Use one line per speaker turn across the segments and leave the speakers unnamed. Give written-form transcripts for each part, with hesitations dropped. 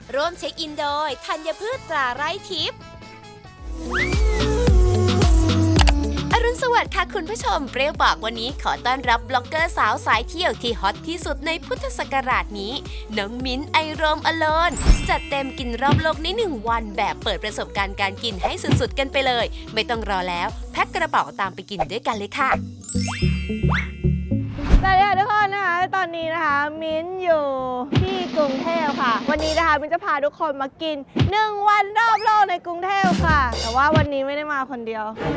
ร่วมเช็คอินโดยธัญพืชตราไร้ทิพย์อรุณสวัสดิ์ค่ะคุณผู้ชมเปรี้ยวปากวันนี้ขอต้อนรับบล็อกเกอร์สาวสายเที่ยวที่ฮอตที่สุดในพุทธศักราชนี้น้องมิ้นไอโรมอโลนจัดเต็มกินรอบโลกใน1 วันแบบเปิดประสบการณ์การกินให้สุดๆกันไปเลยไม่ต้องรอแล้วแพ็คกระเป๋าตามไปกินด้วยกันเลยค่ะ
สวัสดีค่ะทุกคนนะคะตอนนี้นะคะมิ้นอยู่ที่กรุงเทพค่ะวันนี้นะคะมิ้นจะพาทุกคนมากิน1 วันรอบโลกในกรุงเทพค่ะแต่ว่าวันนี้ไม่ได้มาคนเดียวส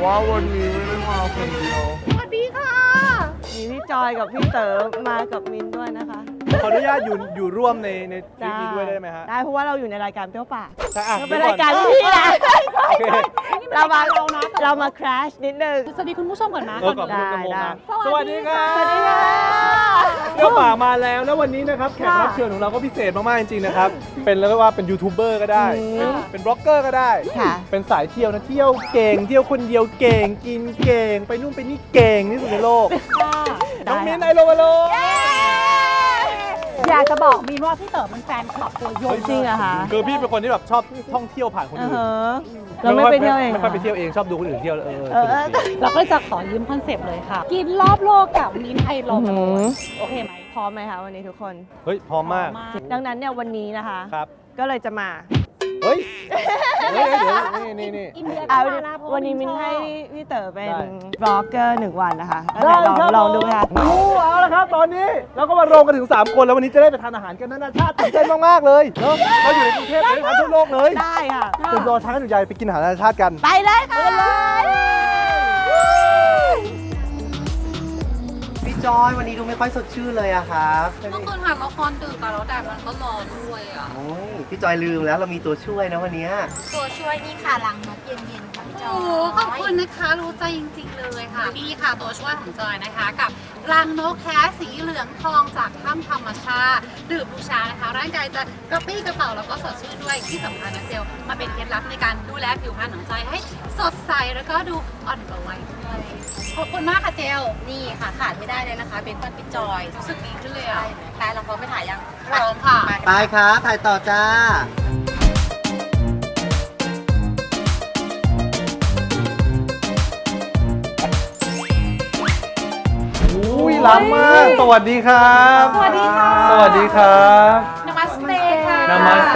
วัสดีค่ะมีพี่จอยกับพี่เต๋อมากับมิ้นด้วยนะคะ
ขออนุญาตอยู่ร่วมในทริปนี้ด้วยได้ไหมฮะ
ได้เพราะว่าเราอยู่ในรายการเปรี้ยวปาก
เป็
เป็น นรายการที่พี่แหละ
โอเค
เรามา crash นิดนึง
สวัสดีคุณผู้ชมก่อนนะ
ขอบคุณกระโมครับสวัสดีครับ
สวัสดีค่ะ
เที่ยวป่ามาแล้วแล้ววันนี้นะครับแขกรับเชิญของเราก็พิเศษมากๆจริงๆนะครับเป็นเรียกว่าเป็นยูทูบเบอร์ก็ได้เป็นบล็อกเกอร์ก็ได้
ค่ะ
เป็นสายเที่ยวนะเที่ยวเก่งเที่ยวคนเดียวเก่งกินเก่งไปนู่นไปนี่เก่งที่สุดในโลกน้องมิ้นไอโรมาโล
อยากจะบอกมีนว่าพี่เต๋อมันแฟนคลับตัวยง
จริงเหรอคะ
คือพี่เป็นคนที่แบบชอบท่องเที่ยวผ่านคนอื่น
เราไม่ไปเที่ยวเอง
ไม่ค่อยไปเที่ยวเองชอบดูคนอื่นเที่ยวสนุกดี
เราก็จะขอยืมคอนเซปต์เลยค่ะ กินรอบโลกกับมินไอโรมโอเคไหม
พร้อมไหมคะวันนี้ทุกคน
เฮ้ยพร้อมมาก
ดังนั้นเนี่ยวันนี้นะคะ
ครับ
ก็เลยจะมา
เฮ้ยเดี๋ยวนี่
อินเดีย
เอา
ก็มาะเพราะ
วันนี้
ช
มิน
อบ
ให้พี่เต๋อเป็น
ได้
บล็อกเกอร์1 วันนะคะลองดูไหมคะ
เอาละครับตอนนี้เราก็มารวมกันถึง3 คนแล้ววันนี้จะได้ไปทานอาหารกันนานาชาติตื่นเต้นมากๆเลยเนาะเราอยู่ในกรุงเทพเลยทานทั่วโลกเลย
ได้ค่ะ
คุณรอช้ากันอยู่ใหญ่ไปกินอาหารนานาชาติกัน
ไปเลยค่ะ
พี่จอยวันนี้ดูไม่ค่อยสดชื่นเลยอะครับ
เมื่อคืนถ่ายละครดึกอะแล้วแดดมันก็ร้อนด้วยอะ
โอ้ยพี่จอยลืมแล้วเรามีตัวช่วยนะวันเนี้ย
ตัวช่วยนี่ค่ะลังนกเย็นๆค่ะพี่จอยโอ้ขอบคุณนะคะรู้ใจจริงๆเลยค่ะนี่ค่ะตัวช่วยของจอยนะคะ กับรังนกแท้สีเหลืองทองจากถ้ำธรรมชาติดื่มบูชานะคะร่างกายจะกระปรี้กระเป๋าแล้วก็สดชื่นด้วยที่สำคัญนะเซลมาเป็นเคล็ดลับในการดูแลผิวพรรณของจอยให้สดใสแล้วก็ดูอ่อนกว่าวัยด้วยขอบคุณมากค่ะเจลนี่ค่ะขาดไม่ได้เลยนะคะเป็นพี่จอยรู้สึกดีขึ้นเลยอะแต่เราพร้อมไปถ่ายยังพร้อมค่ะ
ไปครับถ่ายต่อจ้า
อุ้ยล้ำมากสวัสดีครับ
สวัสดีค่ะ
สวัสดีครับ
นามัสเตค่ะ
นามาสเต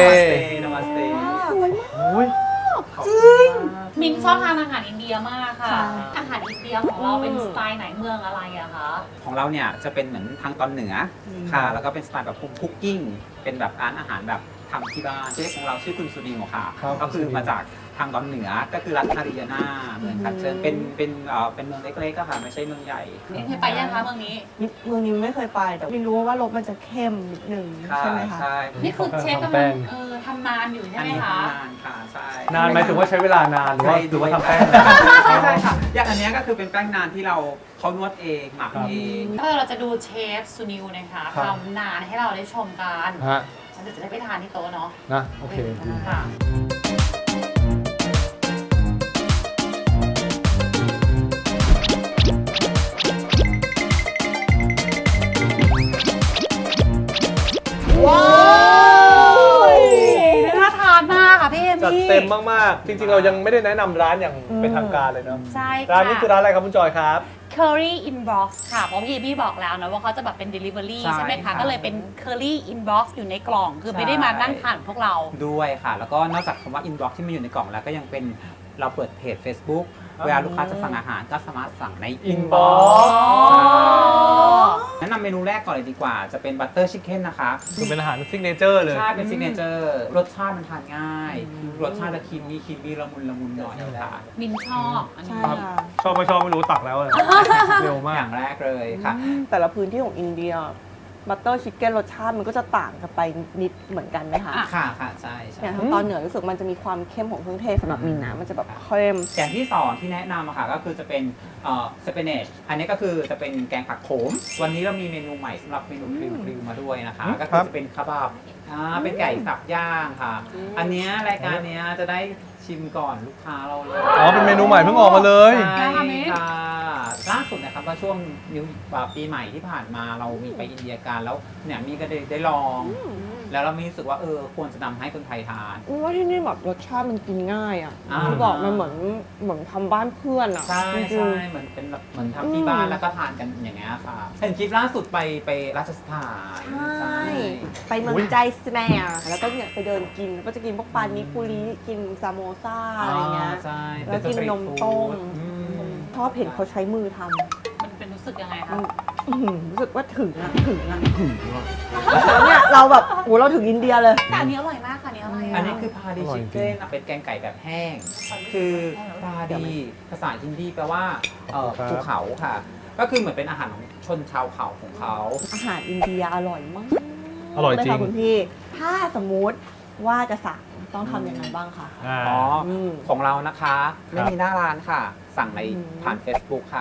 อุ้ย
มินชอบทานอาหารอินเดียมากค่ะ อาหารอินเดียของเราเป็นสไตล์ไหนเมืองอะไรอะคะ
ของเราเนี่ยจะเป็นเหมือนทางตอนเหนือค่ะ แล้วก็เป็นสไตล์แบบคุกกิ้ง เป็นแบบร้านอาหารแบบทำที่บ้านเชฟของเราชื่อคุณสุดีโมค่ะ ก็คือมาจากทางตอนเหนือ ก็คือรัฐฮาริยานาเมืองคัตเชิญเป็นเมืองเล็กๆก็ค่ะ ไม่ใช่เมืองใหญ่
มินเคยไปยังคะเมืองนี้
เมืองนี้ไม่เคยไปแต่มินรู้ว่ารสมันจะเข้มนิดนึงใช่ไหมคะ
ใช่
นี่คือเชฟกำลังทำนานอยู่ใช่
อัน
ไหม
นี้
คะ
ทำนานค่ะใช่
นานไหมายถึงว่าใช้เวลานานหรือว่าทำแป้ง
ใช่ค่ะ อย่างอันเนี้ยก็คือเป็นแป้งนานที่เขานวดเองหมักเอง
เราจะดูเชฟซูนิวนะคะ
ครับ
ทำนานให้เราได้ชมกัน
ฮะ
แล้วเดี๋ยวจะได้ไปทานที่โต๊ะเนาะ
นะโอเค
ค่ะ
ว้าว
น่าทานมากค่ะพี่เอมี่
จัดเต็มมากๆ จริงๆ เรายังไม่ได้แนะนำร้านอย่างเป็นทางการเลยเนาะ
ใช่ค่ะ
ร้านนี้คือร้านอะไรครับคุณจอยครับ
Curry Inbox ค่ะ เพราะพี่เอมี่บอกแล้วนะว่าเขาจะแบบเป็น Delivery
ใช่
ใช่ไหมคะ
ค่ะ
ก็เลยเป็น Curry Inbox อยู่ในกล่อง คือไม่ได้มานั่งทานพวกเรา
ด้วยค่ะ แล้วก็นอกจากคำว่า inbox ที่มันอยู่ในกล่องแล้วก็ยังเป็นเราเปิดเพจ Facebook เวลาลูกค้าจะสั่งอาหารก็สามารถสั่งใน
Inbox
ใช่แนะนำเมนูแรกก่อนเลยดีกว่า จะเป็นบัตเตอร์ชิคเก้นนะคะ
คือเป็นอาหารซิกเนเจอร์เลย
ใช่ เป็นซิกเนเจอร์ รสชาติมันทานง่าย รสชาติจะครีมมี่ละมุนหน่อยค่ะ
มินชอบอัน
ใช่
นี้
ค่ะ
ชอบไม่ชอบไม่รู้ตักแล้วเลยเร็วมา
อก ย่างแรกเลยค่ะ
แต่ละพื้นที่ของอินเดียบัตเตอร์ชิคเก้นรสชาติมันก็จะต่างกันไปนิดเหมือนกันไหมคะ
ค่ะใช่ใช่
อย่างทางตอนเหนือรู้สึกมันจะมีความเข้มของเครื่องเทศสำหรับมินนะมันจะแบบเข้ม
อย่างที่สองที่แนะนำอะค่ะก็คือจะเป็นสเปเนชอันนี้ก็คือจะเป็นแกงผักโขม วันนี้เรามีเมนูใหม่สำหรับเมนูกริวมาด้วยนะคะ ก็คือจะเป็นคาบาบเป็นไก่สับย่างค่ะ อันเนี้ยรายการเนี้ยจะได้ชิมก่อนลูกค้าเราเลย
อ๋อเป็นเมนูใหม่เพิ่งออกมาเลย
ใช่ค่ะล่าสุดนะครับว่าช่วงปีใหม่ที่ผ่านมาเรามีไปอินเดียกันแล้วเนี่ยมีก็ได้ลองแล้วเรามีรู้สึกว่าควรจะนำให้คนไทยทาน
ว่าที่นี่แบบรสชาติมันกินง่ายอ่ะ
อ่า
ที่บอกมันเหมือนทำบ้านเพื่อนอ่ะ
ใช่
จริ
ใช่
ง
เหมือนเป็นแบบเหมือนทำที่บ้านแล้วก็ทานกันอย่างเงี้ยค่ะเห็นคลิปล่าสุดไปราชสถาน
ใช่ไปเมืองใจสแมร์แล้วก็เนี่ยไปเดินกินก็จะกินพวกปานิปุริกินซาโมซาอะไรเงี้ย
ใช่
แล้วกินนมต้ม ชอบเห็นเขาใช้มือทำ
มันเป็นรู้สึกยังไง
มั
คะ
นรู้สึกว่าถึงอ่ะแล้วเนี่ยเราแบบโหเราถึงอินเดียเลย
แต่อันนี้อร่อยมากค่ะอันนี้อร่อย
อันนี้คือพาดีชิคเก้นเป็นแกงไก่แบบแห้ง คือพาดีภาษาฮินดีแปลว่าภูเขาค่ะ ก็คือเหมือนเป็นอาหารของชนชาวเขาของเขา
อาหารอินเดียอร่อยมาก
อร่อยจริง
เลยค่ะคุณพี่ ถ้าสมมุติว่าจะสั่งต้องทำยังไงบ้างคะ
อ๋อ
ม
ของเรานะคะไม่มีหน้าร้านค่ะ สั่งใน
อืม
ผ่าน Facebook ค่ะ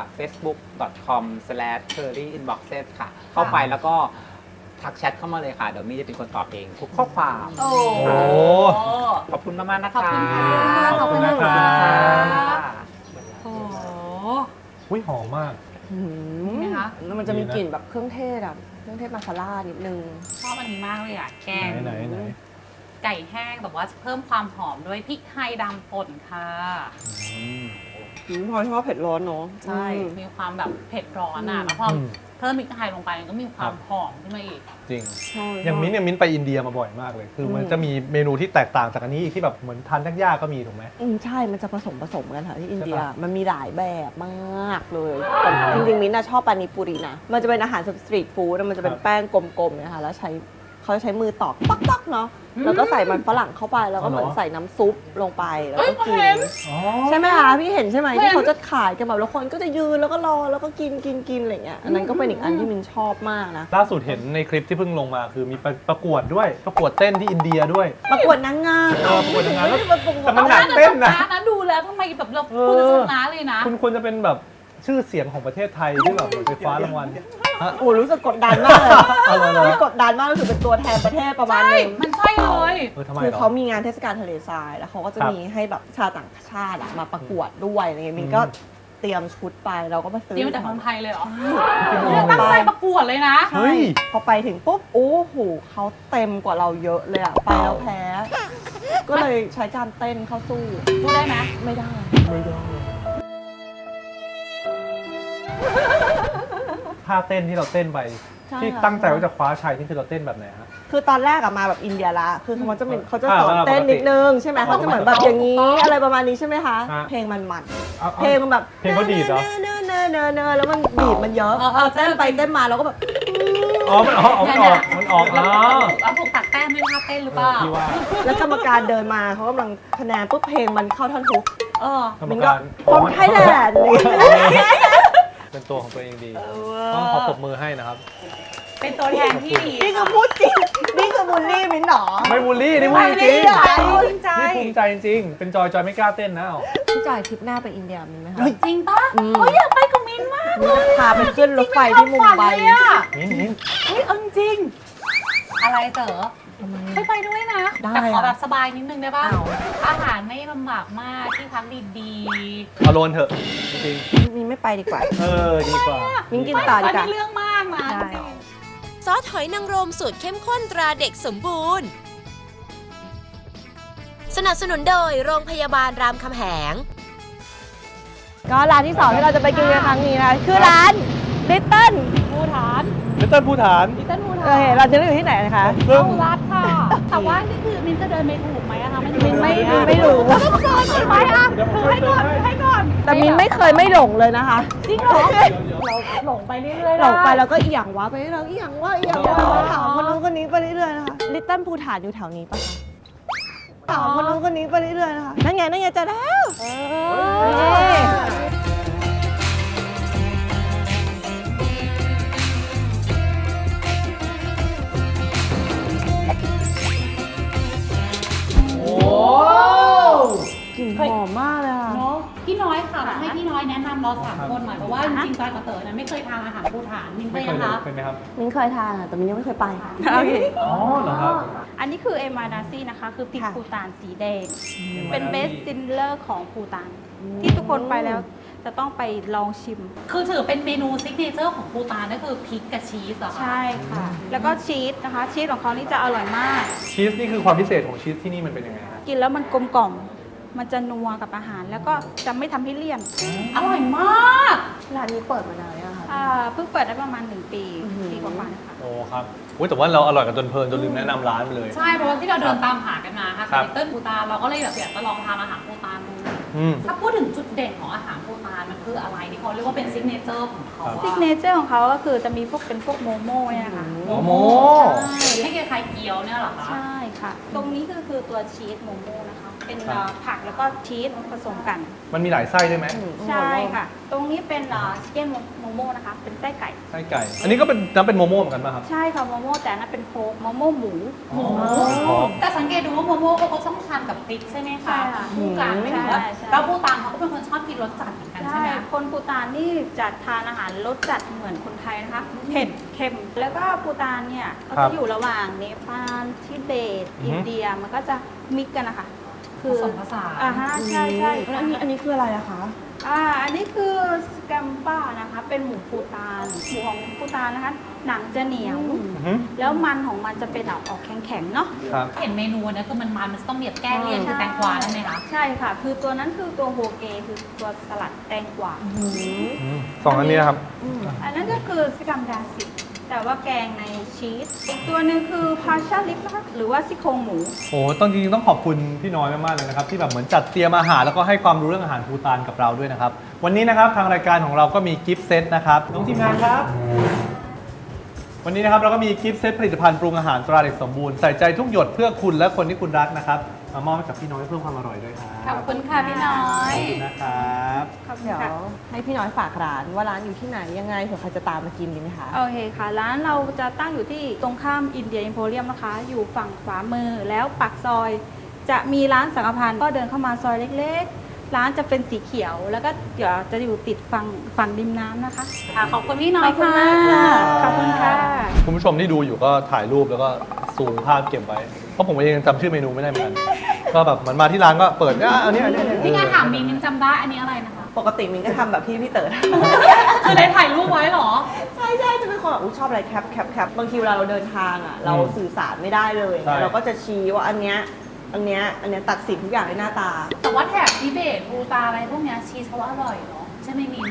facebook.com/curryinboxes ค่ะ เข้าไปแล้วก็ทักแชทเข้ามาเลยค่ะ เดี๋ยวมี่จะเป็นคนตอบเองทุกข้อความ
โอ้
โอ้
ขอบคุณมากๆนะคะ
ขอบคุณค่ะ
ขอบคุณนะครับ
โอ้
อุ้ยหอมมาก
อืม
ไหมคะ
แล้วมันจะมีกลิ่นแบบเครื่องเทศอะเครื่องเทศมาซาล่านิดนึง
ชอบอันนี้มากเลยอ่ะแกง
ไหนไหน
ไก่แห้งแบบว่าเพิ่มความหอมด้วยพริกไทยดำป่นค่ะ
พอชอบเผ็ดร้อนเนาะ
ใช่ มีความแบบเผ็ดร้อนอ่ะ แล้วพอเพิ่มพริกไทยลงไปมันก็มีความหอมขึ้นมาอีก
จริง
ใช่
อย่างมิ้นท์เนี่ยมิ้นท์ไปอินเดียมาบ่อยมากเลย คือมันจะมีเมนูที่แตกต่างจากอันนี้อีกที่แบบเหมือนทานยากๆก็มีถูกไหม
ใช่ มันจะผสมกันค่ะที่อินเดีย
ใช่ปะ
มันมีหลายแบบมากเลยแต่จริงๆมิ้นท์นะชอบปานิปุรินะ มันจะเป็นอาหารสตรีทฟู้ดมันจะเป็นแป้งกลมๆนะคะแล้วเขาใช้มือตอกต๊อกๆเนาะ แล้วก็ใส่มันฝรั่งเข้าไป แล้วก็เหมือนใส่น้ำซุปลงไป แล้วก็กิน
อ๋อ
ใช่ไหมคะพี่เห็นใช่ไหมที่เขาจะขายกันแบบแล้วคนก็จะยืนแล้วก็รอแล้วก็กินอะไรเงี้ย อันนั้นก็เป็นอีกอันที่มินชอบมากนะ
ล่าสุดเห็นในคลิปที่เพิ่งลงมาคือมีประกวดด้วย ประกวดเต้นที่อินเดียด้วย
ประกวดนางงาม
ประกวดนางงาม
ไม่ได้ประกวด
แต่มันหนักเต้นนะ
นะดูแล้วทำไมแบบเราคุณจะชนะเลยนะ
คุณควรจะเป็นแบบชื่อเสียงของประเทศไทยที่แบบไปคว้ารางวัล
โอ้รู้สึกกดดันมากเลย
เอาเลย
นี่กดดันมากรู้สึกเป็นตัวแทนประเทศประมาณ
ใช่
นึง
มันใช่เลย
ทำไม
คือ
หรอ
เขามีงานเทศกาลทะเลทราย แล้วเขาก็จะ
ครับ
มีให้แบบชาวต่างชาติอะมาประกวดด้วยอะไรเงี้ยมินก็เตรียมชุดไปเราก็มาซื้อ
เดี๋ยวมาจากเมืองไทยเลยเหรอ
ใช่
เนี่ยตั้งใจประกวดเลยนะ
เฮ้ย
พอไปถึงปุ๊บโอ้โหเขาเต็มกว่าเราเยอะเลยอะไปแล้วแพ้ ก็เลยใช้การเต้นเข้าสู้
พูดได้ไหม
ไม่ได้
ท่าเต้นที่เราเต้นไป
ใช่
ที่
ค่ะ
ตั้งใจว่าจะคว้าชัยนี่คือเราเต้นแบบไหนฮะ
คือตอนแรกอะมาแบบอินเดียละคือเขาจะเขาจะสอน
อ่า
เต้นนิดนึงใช่ไหม
อ๋อ
เขาจะเหมือนแบบอย่างนี้อะไรประมาณนี้ใช่ไหมคะ
ฮะ
เพลงมัน
เอา
เพลงมันแบบ
เพลงเขาดีดเหรอ
เนแล้วมันบีบมันเยอะเต้นไปเต้นมาแล้วก็แบบ
อ๋อมันออกมันออกอ๋อ
เอาถูกตัดแต้มด้วยท่าเต้นหรือเปล่า
ที่ว่า
แล้วกรรมการเดินมาเขากำลังคะแนนปุ๊บเพลงมันเข้าท่อนฮุก
เออ
กรรม
มิน
กา
ก็
ร
คนไทยแลนด์
เป็นตัวของตัวเองดี ต้องขอปรบมือให้นะครับ
เป็นตัวแทนที่ดี
นี่คือพูดจริงนี่คือบูลลี่มินหรอ
ไม่บูลลี่นี่พูด
ไม่
จ
ได้
ริง
เหรอ
จริงใจ
นี่ภูมิใจจริงๆเป็นจอยไม่กล้าเต้นนะเอา
พี่จ่ายทริปหน้าไปอินเดียมินไหมคะ
จริงปะ
อืม
เฮ้ยอยากไปกับมินมาก
มินจะพาไปขึ้นรถไฟที่มุมไบ
จริงๆเป็นความฝันเลยอะ
นิ้น
เฮ้ยเอาจริงอะไรเต๋อไปด้วยนะ
ได้
แต่ขอ
อะ
แบบสบายนิดนึงได้ป่ะ
เอา
อาหารไม่ลำบากมากที่พักดี
เอาโลนเถอะจริง
มินไม่ไปดีกว่า
ดีกว่า
มินกิน
ๆ
ต่อดี
อัน
กว่า
นี้เรื่องมากนะ
ใช่
จริง
ซอสหอยนางรมสูตรเข้มข้นตราเด็กสมบูรณ์ สนับสนุนโดยโรงพยาบาลรามคำแหง
ก็ร้านที่2ที่เราจะไปกินในครั้งนี้นะคือร้านลิตเติ้ล
ภูฐาน
ลิตเติ้ลภูฐาน
ดิฉันภูฐา
โอน เคเราจะอยู่ที่ไหนนะคะ
ซึ่ง
เข้ารัดค่ะ แต่ว่านี่คือมินจะเดินไปถูกไหมอะคะมัน
มินไม่รู้
ต้องเดินก่อนไหมอะถือให้ก่อนถือให้ก่อน
แต่มินไม่เคยไม่หลงเลยนะคะ
จริงเหรอเราหลงไปเรื่อยๆ
หลงไปแล้วก็เอียงวะไปเรื่อยๆเอียงวะถามคนนู้นคนนี้ไปเรื่อยๆนะคะลิตเติ้ลภูฐานอยู่แถวนี้ปะคะถามคนนู้นคนนี้ไปเรื่อยๆนะคะนั่นไงเจอแล้วนี่
โอ้
กลิ่นหอมมากเลยค่ะ
เนาะพี่น้อยค่ะให้พี่น้อยแนะนำเรา3 คนหน่อยเพราะว่าจริงๆจอยกับเต๋อนะไม่เคยทานอาหารภูฐานมินเค
ไม่
ย
เคย
นะคะ
เป็นไหมครับ
มินเคยทานอะแต่มินยังไม่เคยไปโอเค
อ๋อเหรอครับ
อันนี้คือเอมานาซีนะคะ คือพริก
ค่ะ
ภูตานสีแดง เป็นเบสซินเลอร์ของภูตาน ที่ทุกคนไปแล้วจะต้องไปลองชิม
คือถือเป็นเมนูซิกเนเจอร์ของภูฏานก็คือพริกกับชีสเหรอคะ
ใช่ค่ะ แล้วก็ชีสนะคะ ชีสของเขานี่จะอร่อยมาก
ชีสนี่คือความพิเศษของชีสที่นี่มันเป็นยังไงฮะ
กินแล้วมันกลมกล่อม มันจะนัวกับอาหาร แล้วก็จะไม่ทำให้เลี่ยน
อร่อยมาก
ร้านนี้เปิดมานานแล้วค่ะ
เพิ่งเปิดได้ประมาณ1 ปี
อื้อหือ
ปีกว่าๆนะคะ
โอ้ครับอุ๊ยแต่ว่าเราอร่อยกันจนเพลินจนลืมแนะนำร้านไปเลย
ใช่เพราะว่าที่เราเดินตามหากันมาค่ะ
ครับ
ลิตเติ้ลภูฏานเราก็เลยแบบอยากจะลองทานอาหารภูฏานดู
อืม
ถ้าพูดถึงจุดเด่นของอาหารภูฏานมันคืออะไรที่เขาเรียกว่าเป็นซิกเนเจอร์ของเขา
ซิกเนเจอร์ของเขาก็คือจะมีเป็นพวกโมโม่เนี่ยนะคะ
โมโม
ใช่ให้คล้ายๆเกี๊ยวเนี่ยเหรอคะ
ใช่ค่ะ ตรงนี้คือตัวชีสโมโม่นะคะ เป็นผักแล้วก็ชีสผสมกัน
มันมีหลายไส้ด้วยไหม
ใช่ค่ะ ตรงนี้เป็นชิคเก้นโมโม่นะคะ เป็นไส้ไก่
ไส้ไก่ อันนี้ก็เป็นนับเป็นโมโม่เหมือนกันป่ะครับ
ใช่ค่ะโมโม่แต่อันนั้นเป็นโพกโมโม่หมู
โอ้โห
อ๋อ
แต่สังเกตดูว่าโมโม่เขาก็ต้องทานกับพริกใช่ไหม
ใช่
คะ
ค่ะ
คู่กันไม่ถึงว่า
ใช่ใช่
แล้วภูฏานเขาก็เป็นคนชอบกินรสจัดเหมือนกันใช่
ใช่
ไหม
คนปูตานนี่จะทานอาหารรสจัดเหมือนคนไทยนะคะ เผ็ดเค็ม แล้วก็ปูตานเนี่ยก็
ครั
จะ
บ
อยู่ระหว่างเนปาลทิเบต
อือฮึ
อินเดีย มันก็จะมิกกันนะคะ
ผสมผสาน
ฮะใช่ใช่
แล้วอันนี้คืออะไรอะคะ
อันนี้คือสแกมป้านะคะ เป็นหมูปูตาน หมูของปูตานนะคะ หนังจะเหนียว
อือฮึ
แล้วมันของมันจะเป็นออกแข็งๆเนาะ
ครับ
เห็นเมนูนะคือมันต้องมีแบบแก้เลี่ยนคือแตงกวาได้ไหมคะ
ใช่ค่ะ คือตัวนั้นคือตัวโฮเกคือตัวสลัดแตงกวา
สองอันนี้นะครับ
อันนั้นก็คือสกัมดาสิแต่ว่าแกงในชีส อีกตัวหนึ่งคือพาชาลิปนะคะหรือว่าซี่โครงหมู
โอ้ต้องจริงๆต้องขอบคุณพี่น้อยมากๆเลยนะครับที่แบบเหมือนจัดเตรียมอาหารแล้วก็ให้ความรู้เรื่องอาหารภูฏานกับเราด้วยนะครับ วันนี้นะครับทางรายการของเราก็มีกิฟต์เซตนะครับน้องทีมงานครับ วันนี้นะครับเราก็มีกิฟต์เซตผลิตภัณฑ์ปรุงอาหารตราเด็กสมบูรณ์ใส่ใจทุกหยดเพื่อคุณและคนที่คุณรักนะครับมามอบให้กับพี่น้อยเพื่อความอร่อยด้วยครับ
ขอบคุณค่ะพี่น้อย
ขอบคุณนะครับ
ขอบคุณ
เดี๋ยว
ค่ะ
ให้พี่น้อยฝากร้านว่าร้านอยู่ที่ไหนยังไงเผื่อใครจะตามมากินดีไหมคะ
โอเคค่ะ ร้านเราจะตั้งอยู่ที่ตรงข้ามอินเดียอิมโพเรียมนะคะ อยู่ฝั่งขวามือแล้วปากซอย จะมีร้านสังฆพันธ์ก็เดินเข้ามาซอยเล็กๆ ร้านจะเป็นสีเขียว แล้วก็เดี๋ยวจะอยู่ติดฝั่งริมน้ำนะคะ
ขอบคุณพี่น้อยค่ะ
ขอบคุณค่ะ
คุณผู้ชมที่ดูอยู่ก็ถ่ายรูปแล้วก็ซูมภาพเก็บไว้ เพราะผมเองจำชื่อเมนูไม่ได้เหมือนกัน ก็แบบเหมือนมาที่ร้านก็เปิดอันนี้
พี่งานถามมินจำได้อันนี้อะไรนะคะ
ปกติมินก็ทำแบบที่พี่เต๋อ
คือได้ถ่ายรูปไว้เหรอ
ใช่จะเป็นคนแบบชอบอะไรแคปบางทีเวลาเราเดินทางอ่ะเราสื่อสารไม่ได้เลย เราก็จะชี้ว่าอันเนี้ยตัดสินทุกอย่างด้วยหน้าตา
แต่ว่าแถบทิเบตภูฏานอะไรพวกเนี้ยชีสเขาว่าอร่อยเนาะใช่ไหมมิน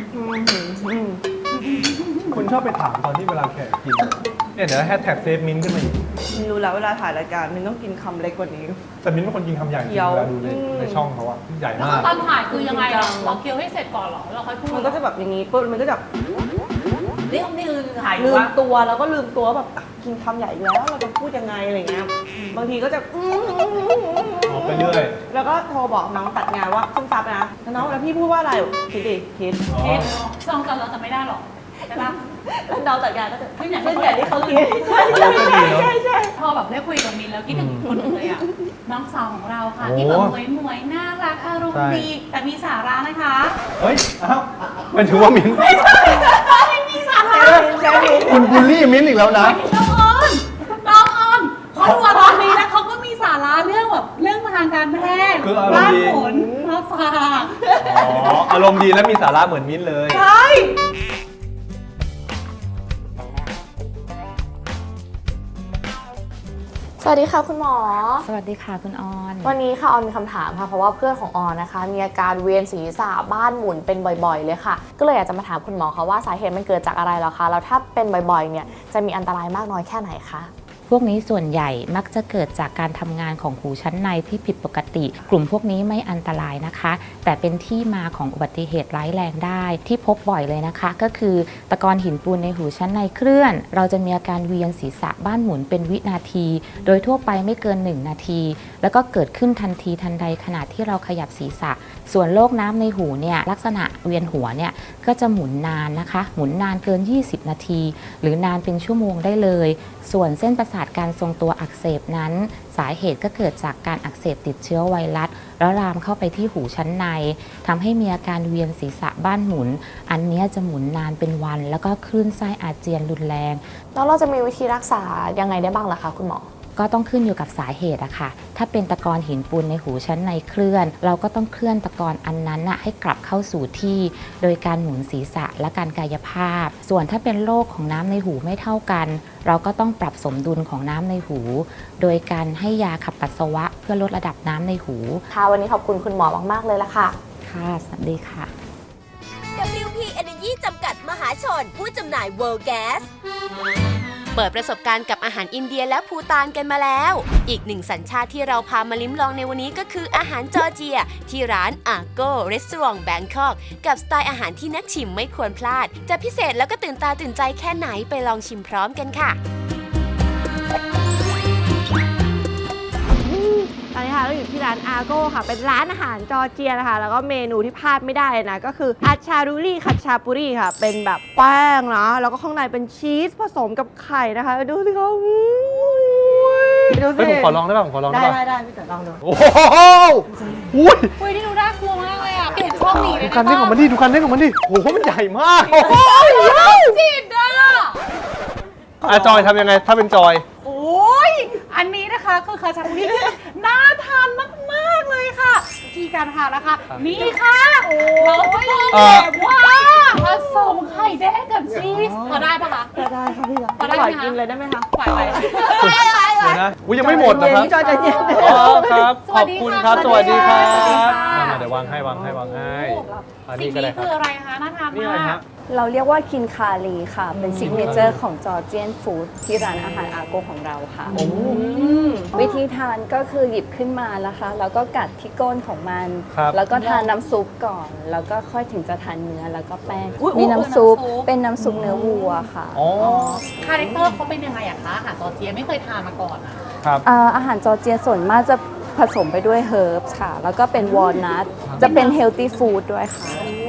คุณชอบไปถามตอนที่เวลาแขกกินเนี่ยเดี๋ยวแฮชแท็กเซฟมิ้นขึ้นมาอีก
มินรู้แล้วเวลาถ่ายรายการมินต้องกินคำเล็กกว่านี้
แต่มิ้นเป็นคนกินคำใหญ่จริง
เคี้ยว
เวลาดูในช่องเขาอะใหญ่
แล้ว
มาก
ตอนถ่ายคือยังไงเราเคี้ยวให้เสร็จก่อนเหรอเราค่อยพูด
มันก็จะแบบอย่างนี้ปุ๊บมันก็จะ
นี่คือถ่าย
ลืม
ว่า
ตัวแล้วก็ลืมตัวแบบกินคำใหญ่อีกแล้วเราจะพูดยังไงอะไรเงี้ยบางทีก็จะ
ออกไปเรื่อย
แล้วก็โทรบอกน้องตัดงานว่าขึ้นซับนะแล้วน้องแล้วพี่พูดว่าอะไรคิดดิคิด
เอ๊ะซองกันเราจะไม่ได้หรอกใช่ปะ
แล้วน้องตัดงานก็จะ
ขึ้นอย่าง
เล่น
ที่
อย่างที่เขาคิดใช่
พอแบบได้คุยกับมินแล้วคิดถึงคนหนึ่งเลยอ่ะน้องสาวของเราค่ะ
โอ้
ที่แบบหมวยน่ารักอารมณ์ดีแต่มีสาระนะคะ
เฮ้ยอ้าวมันถือว่ามิ้น
ไม่มีสาระ
ใช่
คุณบูลลี่มิ้นอีกแล้วนะ
น้องออนเขาดูตอนนี้แล้วเขาก็มีสาระเรื่องแบบเรื่องทางการแพทย์
คืออารมณ์
บ้าน
ดี
ผลมาฝาก
อ๋ออารมณ์ดีและมีสาระเหมือนมิ้นเลย
ใช่
สวัสดีค่ะคุณหมอ
สวัสดีค่ะคุณออน
วันนี้ค่ะออนมีคำถามค่ะเพราะว่าเพื่อนของออนนะคะ มีอาการเวียนศีรษะบ้านหมุนเป็นบ่อยๆเลยค่ะก็เลยอยากจะมาถามคุณหมอค่ะว่าสาเหตุมันเกิดจากอะไรเหรอคะแล้วถ้าเป็นบ่อยๆเนี่ยจะมีอันตรายมากน้อยแค่ไหนคะ
พวกนี้ส่วนใหญ่มักจะเกิดจากการทำงานของหูชั้นในที่ผิดปกติ กลุ่มพวกนี้ไม่อันตรายนะคะ แต่เป็นที่มาของอุบัติเหตุร้ายแรงได้ที่พบบ่อยเลยนะคะ ก็คือตะกอนหินปูนในหูชั้นในเคลื่อน เราจะมีอาการเวียนศีรษะบ้านหมุนเป็นวินาที โดยทั่วไปไม่เกิน1นาทีแล้วก็เกิดขึ้นทันทีทันใดขณะที่เราขยับศีรษะ ส่วนโรคน้ำในหูเนี่ยลักษณะเวียนหัวเนี่ยก็จะหมุนนานนะคะ หมุนนานเกิน20นาทีหรือนานเป็นชั่วโมงได้เลยส่วนเส้นประสาทการทรงตัวอักเสบนั้นสาเหตุก็เกิดจากการอักเสบติดเชื้อไวรัสแล้วลามเข้าไปที่หูชั้นในทำให้มีอาการเวียนศีรษะบ้านหมุนอันนี้จะหมุนนานเป็นวันแล้วก็คลื่นไส้อาเจียนรุนแรง
แล้วเราจะมีวิธีรักษายังไงได้บ้างล่ะคะคุณหมอ
ก็ต้องขึ้นอยู่กับสาเหตุอะค่ะถ้าเป็นตะกอนหินปูนในหูชั้นในเคลื่อน เราก็ต้องเคลื่อนตะกอนอันนั้นน่ะให้กลับเข้าสู่ที่ โดยการหมุนศีรษะและการกายภาพ ส่วนถ้าเป็นโรคของน้ำในหูไม่เท่ากัน เราก็ต้องปรับสมดุลของน้ำในหู โดยการให้ยาขับปัสสาวะเพื่อลดระดับน้ำในหู
ค่ะวันนี้ขอบคุณคุณหมอมากๆเลยละค่ะ
ค่ะสวัสดีค่ะ
WP Energy จำกัดมหาชนผู้จำหน่าย World Gas เปิดประสบการณ์กับอาหารอินเดียและภูฏานกันมาแล้ว อีกหนึ่งสัญชาติที่เราพามาลิ้มลองในวันนี้ก็คืออาหารจอร์เจีย ที่ร้าน Argo Restaurant Bangkok กับสไตล์อาหารที่นักชิมไม่ควรพลาด จะพิเศษแล้วก็ตื่นตาตื่นใจแค่ไหนไปลองชิมพร้อมกันค่ะ
ตอนนี้ค่ะเราอยู่ที่ร้านอาโก้ค่ะ เป็นร้านอาหารจอร์เจียนะคะ แล้วก็เมนูที่พลาดไม่ได้นะ ก็คืออาชารูรี่คัตชาปุรีค่ะ เป็นแบบแป้งนะ แล้วก็ข้างในเป็นชีสผสมกับไข่นะคะ ดูสิคะดูสิ
เฮ้ยผมขอลองได้ป่ะผมขอลองได้ป่ะ
ได้พี่เต๋อลองดู
โอ้โหอุ้ย
เฮ้ยนี่ดูน่ากลัวมากเลยอ่ะเปลี่ยนช่องหนีเลย
ดู
นะ
คันเร่งของมันดิดูคันเร่งของมันดิโอ้โหมันใหญ่มาก
จิตอ่ะ
จอยทำยังไงถ้าเป็นจอย
โอ้ยอันนี้นะคะคือคาชาบุรีน่าทานมากๆเลยค่ะวิธีการทานนะคะนี่ค่ะเราจะต้องแบบว่าผสมไข่แดงกับชีสพอได้ปะคะ
ได้ค่ะพี่
พอได้
ปล่
ไห
อ
ม
ย
คะ
กินเลยได้ไหมคะ
ปล่อยไป
เดี๋ยวนะอุ้ยยังไม่หมดนะครับ
พี่จอยใจเย็น
อ๋อครับ ขอบคุณครับ สวัสดีครับ
สวัสดีค่ะ
มาเดี๋ยววางให้อัน
สิ่
นี้
ง
ก็ได้
นี้
ครั
คื
บ
ออะไรคะน่าทาน
นี่อะไร
มา
ฮะ
ก
เราเรียกว่าคินคารีค่ะ เป็นซิกเนเจอร์ของจอร์เจียนฟู้ดที่ร้านอาหารอาโกของเราค่ะ วิธีทานก็คือหยิบขึ้นมานะคะ แล้วก็กัดที่ก้นของมัน
ครับ
แล้วก็ทานน้ำซุปก่อน แล้วก็ค่อยถึงจะทานเนื้อแล้วก็แป้ง
อุ๊ย
มีน้ำซุป
น้ำซุป
เป็นน้ำซุปเนื้อวัวค่ะ
อ๋อ
คาแรคเตอร์เขาเป็นยังไงอะคะอาหารจอร์เจียไม่เคยทานมาก่อนอะ
ครับ
อาหารจอร์เจียส่วนมากจะผสมไปด้วยเฮิร์บค่ะ แล้วก็เป็นวอลนัท จะเป็นเฮลตี้ฟู้ดด้วยค่ะ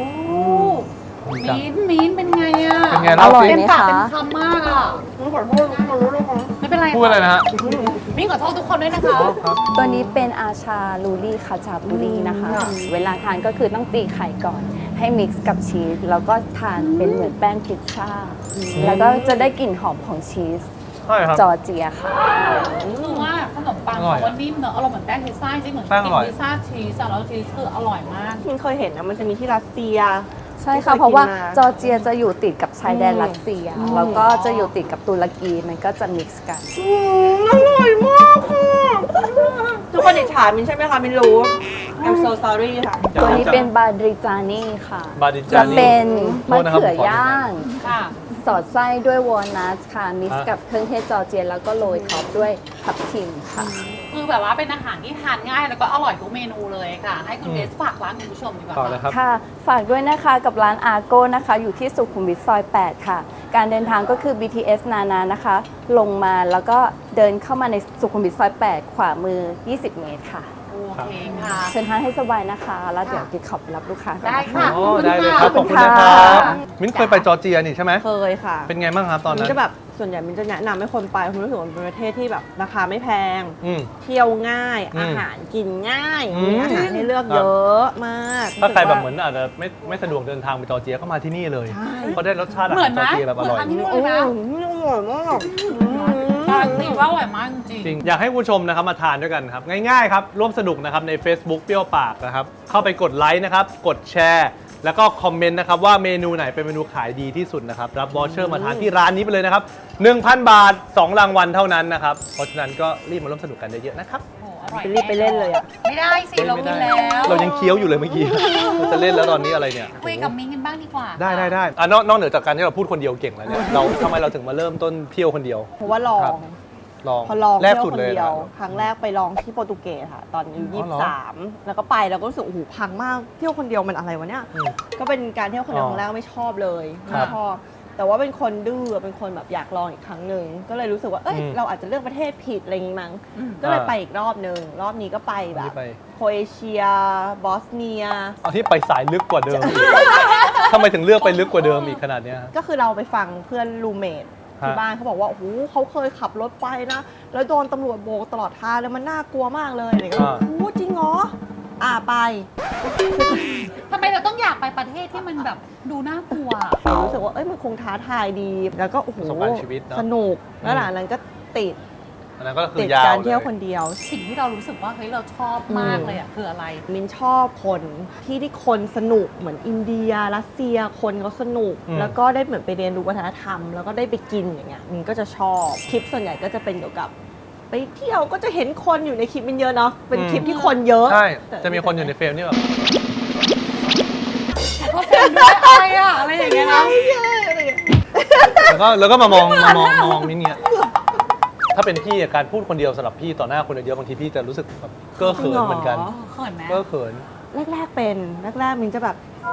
มิ้นเป็นไงอะ
เป็นไง
อ
เล่า
ร่อย
สิ
เต็ม
ไหม
ปาก
คะ
เต็มคำมากอะไม่เป็นไร
พูดอะไรนะฮะ
มิ้นขอโทษทุกคนด้วยนะคะ
ตัวนี้เป็นอาชาลูรี่คาชาปุรีนะคะ เวลาทานก็คือต้องตีไข่ก่อน ให้มิกซ์กับชีส แล้วก็ทานเป็นเหมือนแป้งพิซซ่า แล้วก็จะได้กลิ่นหอมของชีส
ใช่ครับ
จอร์เจียค่ะ
คือว่าขนมปัง
อร่อย
เขาว่านิ่มเนอะอร่อยเหมือนแป้งพิซซ่าจริงเหมือน
แป้งอร่อย
กินพิซซ่าชีสอะแล้วชีสคืออร่อยมาก
มินเคยเห็นนะมันจะมีที่รัสเซีย
ใช่ค่ะ
ที่เคยกินมา
เพราะว่าจอร์เจียจะอยู่ติดกับชายแดนรัสเซีย แล้วก็จะอยู่ติดกับตุรกี มันก็จะมิกซ์กัน
อร่อยมากค่ะทุกคนอิจฉามินใช่ไหมคะมินรู้ I'm so sorry ค่ะ
ตัวนี้เป็นบาดริจานี่ค่ะ
บาดิจา
จะ
นี่
เป็นมะ
โทษนะครับ
เขือ
ผมขอ
ย่าง
ค่ะ
สอดไส้ด้วยวอลนัทค่ะ มิกซ์
ฮะ
กับเครื่องเทศจอร์เจีย แล้วก็โรยท็อปด้วยทับทิมค่ะ
คือแบบว่าเป็นอาหารที่ทานง่ายแล้วก็อร่อยทุกเมนูเลยค่ะ ให้คุณเบสฝากร้านคุณผู้ชมดีกว่า
ต่อเลยครับ
ค่ะ ฝากด้วยนะคะกับร้านอาโก้นะคะ อยู่ที่สุขุมวิทซอย 8 ค่ะ การเดินทางก็คือ BTS นานานะคะ ลงมาแล้วก็เดินเข้ามาในสุขุมวิทซอย 8 ขวามือ 20 เมตรค่ะ
โอเคค่ะ
เชิญทานให้สบายนะคะ แล้วเดี๋ยวกิ๊กขอไปรับลูกค้าก่อน
ได้
นะคะ
ค่ะ
อ๋อได้เลยครับ ขอบคุณนะค
ขอบ
รั
คุณ
บ
ค่ะ
มิ้นเคยไปจอร์เจียนี่ใช่ไหม
เคยค่ะ
เป็นไงบ้างครับตอน
มิ
นั้น
นจะแบบส่วนใหญ่มินจะแนะนำให้คนไปเพราะรู้สึกว่ามันเป็นประเทศที่แบบราคาไม่แพง
อืม
เที่ยวง่าย
อืม
อาหารกินง่าย
อืม
มีอาหารให้เลือก
ครับ
เยอะมาก
ถ้าใครแบบ
สึกว่
เหมือนอาจจะไม่สะดวกเดินทางไปจอร์เจียก็มาที่นี่เลย
ใช่
เพราะได้รสชาติอา
เหมื
หา
อน
รจอ
นะ
ร์เจียแบบอร่อย
เหมือนทานที่นู่น
โอ้
เลย
โห
นะ
อร่อยมาก
การันตีว่าอร่อยมากจริง
จริงอยากให้คุณผู้ชมนะครับมาทานด้วยกันครับ ง่ายๆครับร่วมสนุกนะครับใน Facebook เปรี้ยวปากนะครับเข้าไปกดไลค์นะครับกดแชร์แล้วก็คอมเมนต์นะครับว่าเมนูไหนเป็นเมนูขายดีที่สุดนะครับรับวอเชอร์มาทานที่ร้านนี้ไปเลยนะครับ 1,000 บาท 2 รางวัลเท่านั้นนะครับเพราะฉะนั้นก็รีบมาร่วมสนุกกันเยอะๆนะครับ
โอ้อร่อย
รีบไปเล่นเลยอะ
ไม่ได้สิเรากินแล้ว
เรายังเคี้ยวอยู่เลยเมื่อกี้ เราจะเล่นแล้วตอนนี้อะไรเนี่ย
คุยกับมิ้งกันบ้างดีกว่า
ได้นอกเหนือจากการที่เราพูดคนเดียวเก่งแล้วเนี่ยเราทำไมเราถึงมาเริ่มต้นเที่ยวคนเดียว
เพราะว่าลอ
ครั
ง
บ ลอง
พอลอง
แรก
เที่ยว
สุด
คน
เลย
เดียว
นะ
ครั้งแรกไปลองที่โปรตุเกสค่ะ ตอนอายุ
อ๋อเหรอ
23 แล้วก็ไปแล้วก็รู้สึกโอ้โหพังมากเที่ยวคนเดียวมันอะไรวะเนี่ย
อืม
ก็เป็นการเที่ยวคนเดียว
อ๋อ
ครั้งแรกไม่ชอบเลย
ค
ไม่
รับ
ชอบ แต่ว่าเป็นคนดื้อเป็นคนแบบอยากลองอีกครั้งหนึ่งก็เลยรู้สึกว่าเอ้ย
อืม
เราอาจจะเลือกประเทศผิดอะไรอย่างงี้มั้งก็เลยไปอีกรอบหนึ่งรอบนี้ก็ไปแบบ
นี่ไป
โครเอเชียบอสเนีย
เอาที่ไปสายลึกกว่าเดิมอีกทำไมถึงเลือกไปลึกกว่าเดิมอีกขนาดเนี้ยฮะ
ก็คือเราไปฟังเพื่อนรูเมทที่
ฮะ
บ้านเขาบอกว่าโอ้โหเขาเคยขับรถไปนะ แล้วโดนตำรวจโบกตลอดทางแล้วมันน่ากลัวมากเลยอะไรเงี้ยโอ้โหจริงเหรอไป
ทำไมเราต้องอยากไปประเทศที่มันแบบดูน่ากลัว
เรารู้สึกว่าเอ้ยมันคงท้าทายดี แล้วก็โอ้โห
ประสบการณ์ชีวิตเนอะ
สนุกแล้วหลังนั้นก็ติด
อันนั้นก็คือ
ติด
ยาว
การ
เล
เที่ยวย คนเดียว
สิ่งที่เรารู้สึกว่าเฮ้ยเราชอบมากเลยอ่ะคืออะไร
มินชอบคนที่คนสนุกเหมือนอินเดียรัสเซียคนเขาสนุก แล้วก็ได้เหมือนไปเรียนรู้วัฒนธรรม แล้วก็ได้ไปกินอย่างเงี้ยมินก็จะชอบคลิปส่วนใหญ่ก็จะเป็นเกี่ยวกับไปเที่ยวก็จะเห็นคนอยู่ในคลิปมินเยอะเนาะเป็นคลิปที่คนเยอะ
ใช่จะมีคนอยู่ในเฟรมที่แบบ
ก็เฟรมด้วยอะไรอ่ะอะไรอย่างเงี้ยนะ
แล้วก็มามองมิ้นเนี่ยถ้าเป็นพี่อะการพูดคนเดียวสำหรับพี่ต่อหน้าคนเยอะๆบางทีพี่จะรู้สึกแบบเก้อเขินเหมือนกัน
เขินไหม
เก้อเขิน
แรกๆเป็นแรกๆมินจะแบบ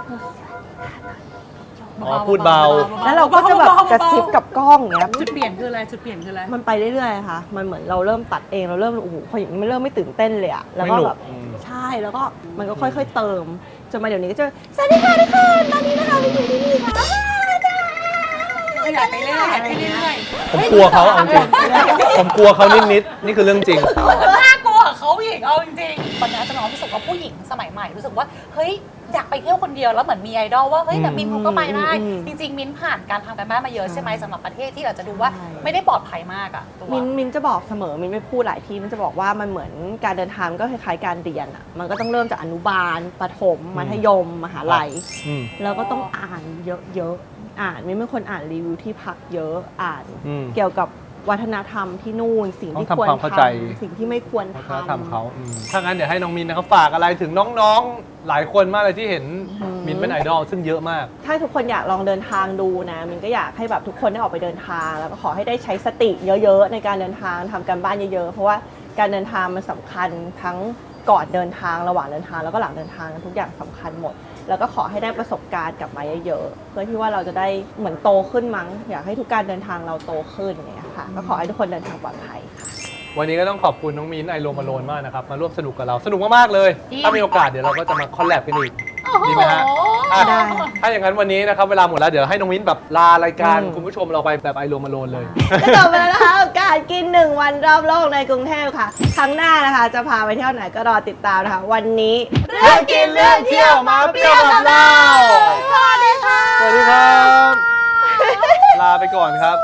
อ๋อพูดเบา
แล้วเราก็จะแบบกระซิบกับกล้องอย่างเงี้ย
จุดเปลี่ยนคืออะไรจุดเปลี่ยนคืออะไร
มันไปเรื่อยๆค่ะมันเหมือนเราเริ่มตัดเองเราเริ่มโอ้โหพออย่างนี้มันเริ่มไม่ตื่นเต้นเลยอะแล้วก็แบบ
ไม่หนุก
ใช่แล้วก็มันก็ค่อยๆเติมจนมาเดี๋ยวนี้ก็จะสวัสดีค่ะทุกคนตอนนี้นะคะมินอยู่ที่นี่ค่ะ
อยากไปเรื่อยอยากไปเรื่อย
ผมกลัวเขาเอาจริงผมกลัวเขานิดๆนี่คือเรื่องจริง
น่ากลัวเขาผู้หญิงเอาจริงๆตอนนี้จะน้องรู้สึกว่าผู้หญิงสมัยใหม่รู้สึกว่าเฮ้ยอยากไปเที่ยวคนเดียวแล้วเหมือนมีไอดอลว่าเฮ้ยแต่มินเขาก็ไปได้จริงๆมินผ่านการทำกันบ้านมาเยอะใช่ไหมสำหรับประเทศที่เราจะดูว่าไม่ได้ปลอดภัยมากอะตัว
มินจะบอกเสมอมินไม่พูดหลายทีมินจะบอกว่ามันเหมือนการเดินทางก็คล้ายๆการเรียนอะมันก็ต้องเริ่มจากอนุบาลประถมมัธยมมหาลัย
อืม
แล้วก็ต้องอ่านเยอะๆอ่านมินเป็นคนอ่านรีวิวที่พักเยอะอ่าน
อืม
เกี่ยวกับวัฒนธรรมที่นู่นสิ่งที่
ต้อง
ควร
ทำความเข้าใจ
ทำสิ่งที่ไม่ควร
วัฒน
ทำ
ธรรมเขาถ้างั้นเดี๋ยวให้น้องมินนะครับฝากอะไรถึงน้องๆหลายคนมากเลยที่เห็นมินเป็นไอดอลซึ่งเยอะมาก
ถ้าทุกคนอยากลองเดินทางดูนะมินก็อยากให้แบบทุกคนได้ออกไปเดินทาง แล้วก็ขอให้ได้ใช้สติเยอะๆในการเดินทางทำการบ้านเยอะๆเพราะว่าการเดินทางมันสำคัญทั้งก่อนเดินทางระหว่างเดินทางแล้วก็หลังเดินทางทุกอย่างสำคัญหมด แล้วก็ขอให้ได้ประสบการณ์กลับมาเยอะๆเพื่อที่ว่าเราจะได้เหมือนโตขึ้นมั้งอยากให้ทุกการเดินทางเราโตขึ้นเนี่ยค่ะก็ขอให้ทุกคนเดินทางปลอดภัยค่ะ
วันนี้ก็ต้องขอบคุณน้องมิ้นไอโรมาโลนมากนะครับมาร่วมสนุกกับเราสนุกมากๆเลย ถ้ามีโอกาสเดี๋ยวเราก็จะมาคอลแลบกันอีกดีไหมฮะอ่ะ
ได้
ถ้าอย่างนั้นวันนี้นะครับเวลาหมดแล้วเดี๋ยวให้น้องมิ้นแบบลารายการคุณผู้ชมเราไปแบบไอโรมาโลนเลย
ก็จบไปแล้วนะคะกับการกิน1 วันรอบโลกในกรุงเทพค่ะครั้งหน้านะคะจะพาไปเที่ยวไหนก็รอติดตามนะคะวันนี้เรื่องกินเรื่องเที่ยวมาเปรี้ยวกับเราสวัสดีค่ะ
สวัสดีครับ ลาไปก่อนครับ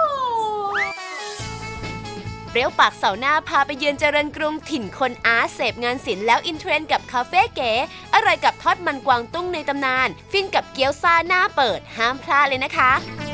เปรี้ยวปากเสาร์หน้าพาไปเยือนเจริญกรุงถิ่นคนอาร์ตเสพงานศิลป์แล้วอินเทรนด์กับคาเฟ่เก๋อร่อยกับทอดมันกวางตุ้งในตำนาน ฟินกับเกี๊ยวซ่าหน้าเปิดห้ามพลาดเลยนะคะ